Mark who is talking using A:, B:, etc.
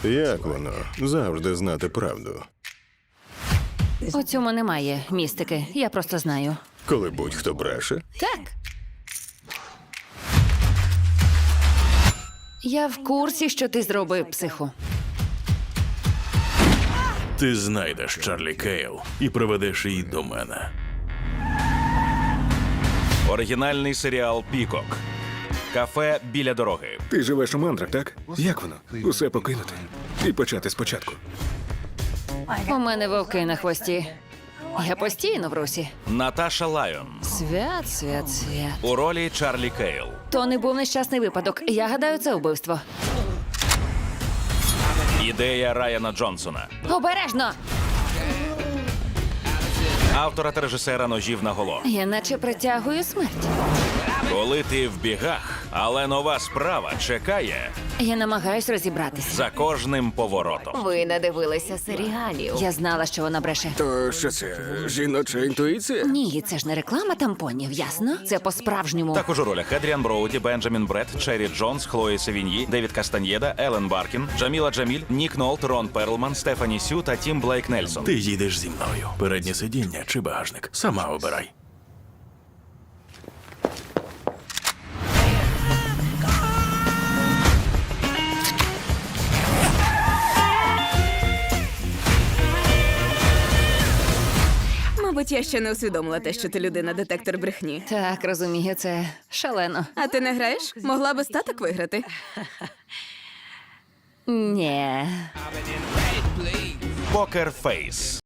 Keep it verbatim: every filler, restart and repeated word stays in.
A: Як воно завжди знати правду,
B: У цьому немає містики, я просто знаю.
A: коли будь-хто бреше?
B: Так. Я в курсі, що ти зробив, психу.
C: Ти знайдеш Чарлі Кейл і приведеш її до мене.
D: Оригінальний серіал «Пікок». Кафе біля дороги.
E: Ти живеш у мандрах, так? Як воно? Усе покинути і почати спочатку.
B: У мене вовки на хвості. Я постійно в русі.
D: Наташа Лайон.
B: Свят, свят, свят.
D: У ролі Чарлі Кейл.
B: То не був нещасний випадок. Я гадаю, це вбивство.
D: Ідея Райана Джонсона.
B: Обережно!
D: Автора та режисера «Ножів наголо».
B: Я наче притягую смерть.
D: Коли ти в бігах, але нова справа чекає
B: Я намагаюсь розібратися.
D: за кожним поворотом.
F: Ви надивилися серіалів.
B: Я знала, що вона бреше.
E: То що це? Жіноча інтуїція?
B: Ні, це ж не реклама тампонів, ясно? Це по-справжньому.
D: Також у ролях Едріан Броуді, Бенджамін Бред, Черрі Джонс, Хлої Севіньї, Девід Кастаньєда, Елен Баркін, Джаміла Джаміль, Нік Нолт, Рон Перлман, Стефані Сю та Тім Блейк Нельсон.
C: Ти їдеш зі мною. Переднє сидіння чи багажник. Сама обирай.
G: Мабуть, я ще не усвідомила те, що ти людина-детектор брехні.
B: Так, розумію, це шалено.
G: А ти не граєш? Могла би статок виграти.
B: Ні.
D: Покер Фейс.